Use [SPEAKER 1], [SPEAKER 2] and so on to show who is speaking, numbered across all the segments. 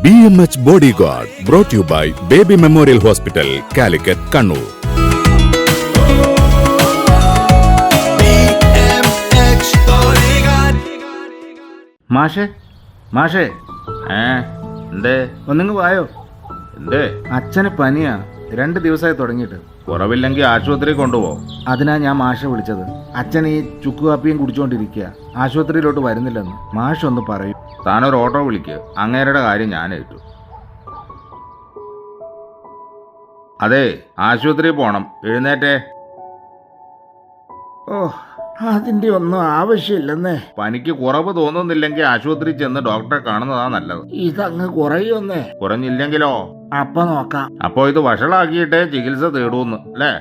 [SPEAKER 1] BMH Bodyguard brought to you by Baby Memorial Hospital, Calicut, Kannur.
[SPEAKER 2] മാഷേ മാഷേ എന്തേ ഒന്നിങ്ങ് വായോ. എന്തേ? അച്ഛന് പനിയാ, 2 ദിവസമായി തുടങ്ങിയിട്ട്. കുറവില്ലെങ്കിൽ ആശുപത്രി കൊണ്ടുപോ. അതിനാ ഞാൻ മാഷെ വിളിച്ചത്. അച്ഛൻ ഈ ചുക്ക് കാപ്പിയും കുടിച്ചുകൊണ്ടിരിക്കുക, ആശുപത്രിയിലോട്ട് വരുന്നില്ലെന്ന്. മാഷ് ഒന്ന് പറയൂ. താനൊരു ഓട്ടോ വിളിക്ക്, അങ്ങേരുടെ കാര്യം ഞാൻ ഏറ്റു. അതെ, ആശുപത്രിയിൽ പോണം, എഴുന്നേറ്റേ. ഓ, അതിന്റെ ഒന്നും ആവശ്യമില്ലെന്നേ. പനിക്ക് കുറവ് തോന്നുന്നില്ലെങ്കിൽ ആശുപത്രിയിൽ ചെന്ന് ഡോക്ടറെ കാണുന്നതാ നല്ലത്. ഇതങ്ങ് കുറയൊന്നേ. കുറഞ്ഞില്ലെങ്കിലോ? അപ്പൊ നോക്കാം. അപ്പൊ ഇത് വഷളാക്കിയിട്ടേ ചികിത്സ തേടൂന്ന് അല്ലേ?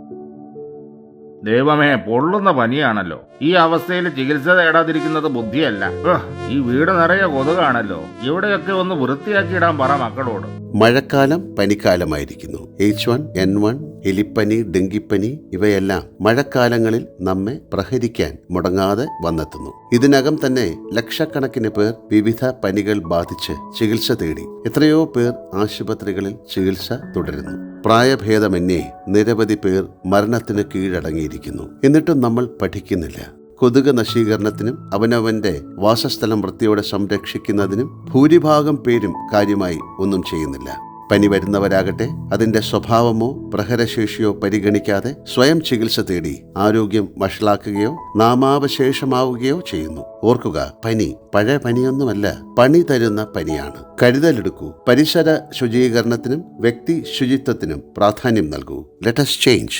[SPEAKER 2] ദൈവമേ, പൊള്ളുന്ന പനിയാണല്ലോ. ഈ അവസ്ഥയിൽ ചികിത്സ തേടാതിരിക്കുന്നത് ബുദ്ധിയല്ല. ഈ വീട് നിറയെ കൊതുകാണല്ലോ. ഇവിടെയൊക്കെ ഒന്ന് വൃത്തിയാക്കിയിടാൻ പറ മക്കളോട്.
[SPEAKER 3] മഴക്കാലം പനിക്കാലമായിരിക്കുന്നു. H1N1, എലിപ്പനി, ഡെങ്കിപ്പനി ഇവയെല്ലാം മഴക്കാലങ്ങളിൽ നമ്മെ പ്രഹരിക്കാൻ മുടങ്ങാതെ വന്നെത്തുന്നു. ഇതിനകം തന്നെ ലക്ഷക്കണക്കിന് പേർ വിവിധ പനികൾ ബാധിച്ച് ചികിത്സ തേടി. എത്രയോ പേർ ആശുപത്രികളിൽ ചികിത്സ തുടരുന്നു. പ്രായഭേദമന്യേ നിരവധി പേർ മരണത്തിന് കീഴടങ്ങിയിരിക്കുന്നു. എന്നിട്ടും നമ്മൾ പഠിക്കുന്നില്ല. കൊതുക് നശീകരണത്തിനും അവനവന്റെ വാസസ്ഥലം വൃത്തിയോടെ സംരക്ഷിക്കുന്നതിനും ഭൂരിഭാഗം പേരും കാര്യമായി ഒന്നും ചെയ്യുന്നില്ല. പനി വരുന്നവരാകട്ടെ അതിന്റെ സ്വഭാവമോ പ്രഹരശേഷിയോ പരിഗണിക്കാതെ സ്വയം ചികിത്സ തേടി ആരോഗ്യം വഷളാക്കുകയോ നാമാവശേഷമാവുകയോ ചെയ്യുന്നു. ഓർക്കുക, പനി പഴയ പനിയൊന്നുമല്ല, പണി തരുന്ന പനിയാണ്. കരുതലെടുക്കൂ. പരിസര ശുചീകരണത്തിനും വ്യക്തി ശുചിത്വത്തിനും പ്രാധാന്യം നൽകൂ. Let us change.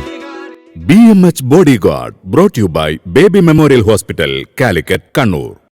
[SPEAKER 1] BMH Bodyguard brought to you by Baby Memorial Hospital, Calicut, Kannur.